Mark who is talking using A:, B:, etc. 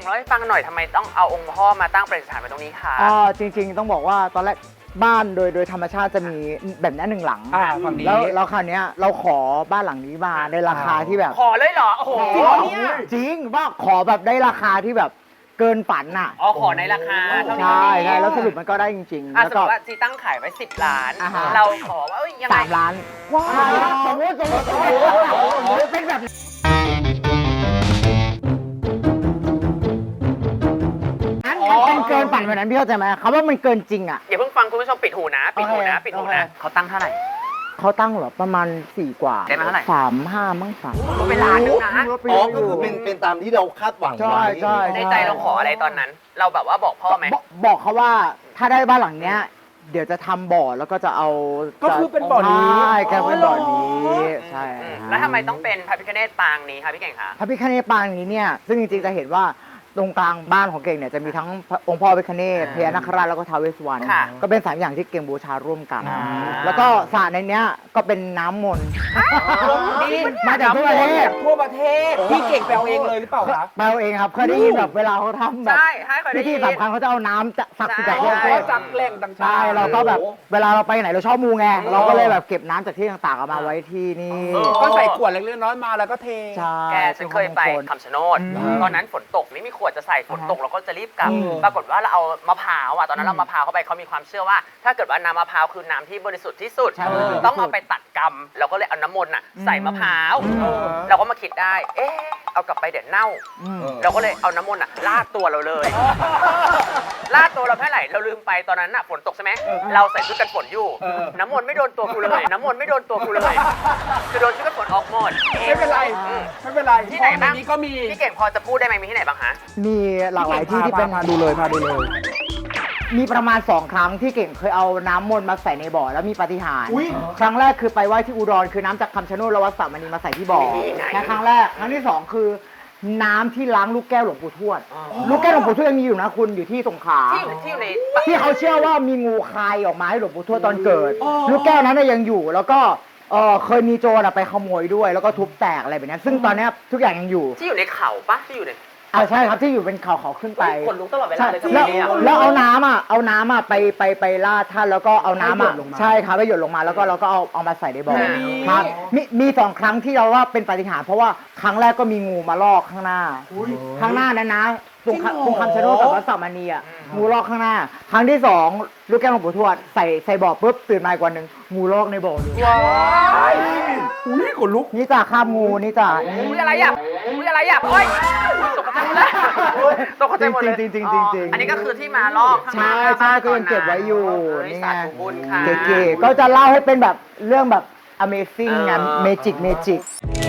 A: งเล่าให้ฟังหน่อยทำไมต้องเอาองค์พ่อมาตั้งประดิษฐานไว้ตรงนี้คะ
B: จริงๆต้องบอกว่าตอนแรกบ้านโดยธรรมชาติจะมีแบบนี้1 หลัง
C: ฝั่งนี้
B: แล้วคราวนี้เราขอบ้านหลังนี้มาในราคาที่แบบ
A: ขอเลยเหรอโอ้โห
B: จริงว่าขอแบบได้ราคาที่แบบเกินฝันน่ะ
A: ขอในราคาเท่านี้
B: ใช่แล้วสรุปมันก็ได้จริงๆ
A: แล้วก็จีตั้งขายไว้10 ล้านเราขอว่ายังไง
B: 3 ล้านว้าวสมมติเป็นแบบมันเกินฝันแบบนั้นพี่เข้าใจไหมเขาว่ามันเกินจริงอ่ะ
A: อย่าเพิ่งฟังคุณผู้ชมปิดหูนะปิดหูนะเขาตั้งเท่าไหร่
B: เขาตั้งเหรอประมาณ4 กว่า
A: ได้มาเท่าไหร่
B: 35มั้ง
A: ก็เป็นล้านนึงนะ
D: ก็คือเป็นตามที่เราคาดหวังไว้
A: ในใจเราขออะไรตอนนั้น เราแบบว่าบอกพ่อไหม
B: บอกเขาว่าถ้าได้บ้านหลังเนี้ยเดี๋ยวจะทำบ่อแล้วก็จะเอา
C: ก็คือเป็นบ่อนี้
B: ใช่แกเป็นบ่อนี้ใช่
A: แล้วทำไมต้องเป็นพระพิฆเนศปางนี้คะพี่เก่งคะ
B: พระพิฆเนศปางนี้เนี่ยซึ่งจริงๆจะเห็นว่าตรงกลางบ้านของเก่งเนี่ยจะมีทั้งองค์พ่อพิฆเนศพญานาคราชแล้วก็ท้าวเวสสุวรรณก็เป็น3 อย่างที่เก่งบูชาร่วมกันแล้วก็สระในเนี้ยก็เป็นน้ำมนต์มาจากทั่วประเทศ
C: พี่เก่งแปลเองเลยหรือเปล่าครับ
B: แปลเองครับเคยได้ยินแบบเวลาเขาทำแบบพิธีสำคัญเขาจะเอาน้ำศักดิ์สิทธิ์จากทั่วประเทศ
C: จากแหล่งต่างๆ
B: ใช่เราก็แบบเวลาเราไปไหนเราชอบมูไงเราก็เลยแบบเก็บน้ำจากที่ต่างๆเอามาไว้ที่นี่
C: ก็ใส่ขวดเล็กๆน้อยๆมาแล้วก็เท
A: แกฉันเคยไปคำชะโนดตอนนั้นฝนตกไม่มีขวดจะใส่ฝนตกเราก็จะรีบกลับปรากฏว่าเราเอามะพร้าวตอนนั้นเรามะพร้าวเข้าไปเขามีความเชื่อว่าถ้าเกิดว่าน้ำมะพร้าวคือน้ำที่บริสุทธิ์ที่สุดต้องเอาไปตัดกรรมเราก็เลยเอาน้ำมนต์ใส่มะพร้าวเราก็มาคิดได้เอากลับไปเดี๋ยวเน่าเราก็เลยเอาน้ำมนต์ลาดตัวเราเลยลาดตัวเราเท่าไหร่เราลืมไปตอนนั้นฝนตกใช่ไหมเราใส่ชุดกันฝนอยู่น้ำมนต์ไม่โดนตัวกูเลยน้ำมนต์ไม่โดนตัวกูเลยคือโดนชุดกันฝนออกหมด
C: ไม่เป็นไร
A: ที่ไหนบ้าง
C: นี้ก็มี
A: พี่เก่งพอจะพูดได้ไหมมีที่ไหนบ้างฮะ
B: มีหลากหลายที่ที่เป็น
C: พาดูเลย
B: มีประมาณ2 ครั้งที่เก่งเคยเอาน้ำมนต์มาใส่ในบ่อแล้วมีปาฏิหาริย์ครั้งแรกคือไปไหว้ที่อุดรคือน้ำจากคำชะโนดแล้ววัดสามณีมาใส่ที่บ่อนะครั้งแรกครั้งที่2คือน้ำที่ล้างลูกแก้วหลวงปู่ทวดลูกแก้วหลวงปู่ทวดยังมีอยู่นะคุณอยู่ที่สงขลาที่เขาเชื่อว่ามีงูคายออกมาให้หลวงปู่ทวดตอนเกิดลูกแก้วนั้นยังอยู่แล้วก็เคยมีโจรไปขโมยด้วยแล้วก็ทุบแตกอะไรแบบนี้ซึ่งตอนนี้ทุกอย่างยังอยู่
A: ที่อยู่ในเขาปะที่อยู่ใน
B: ใช่ครับที่อยู่เป็นเขาขึ้นไป
A: ขนลุกตลอดเวลาเลย
B: แล้วเอาน้ำไปลาดท่านแล้วก็เอาน้ำใช่ครับไปหยดลงมาแล้วก็เราก็เอามาใส่ในบ่อครับมี2 ครั้งที่เราว่าเป็นปาฏิหาริย์เพราะว่าครั้งแรกก็มีงูมาลอกข้างหน้านั้นนะตรงคำชะโนดกับวัดสามณีงูลอกข้างหน้าครั้งที่2ลูกแก้วหลวงปู่ทวดใส่บ่อปุ๊บตื่นมาอีกวันหนึ่งงูลอกในบ่อเลย
C: ขนลุก
B: นี่จ่าข้ามงูนี่จ่า
A: อะไรโอ๊ยตกใจหมดเลยตกใจหมดเลย
B: จริง
A: อันนี้ก็คือที่มาลอก
B: ใช่ก็ยังเก็บไว้อยู่
A: นี่ไง
B: เก๋ๆก็จะเล่าให้เป็นแบบเรื่องแบบ Amazing ไง Magic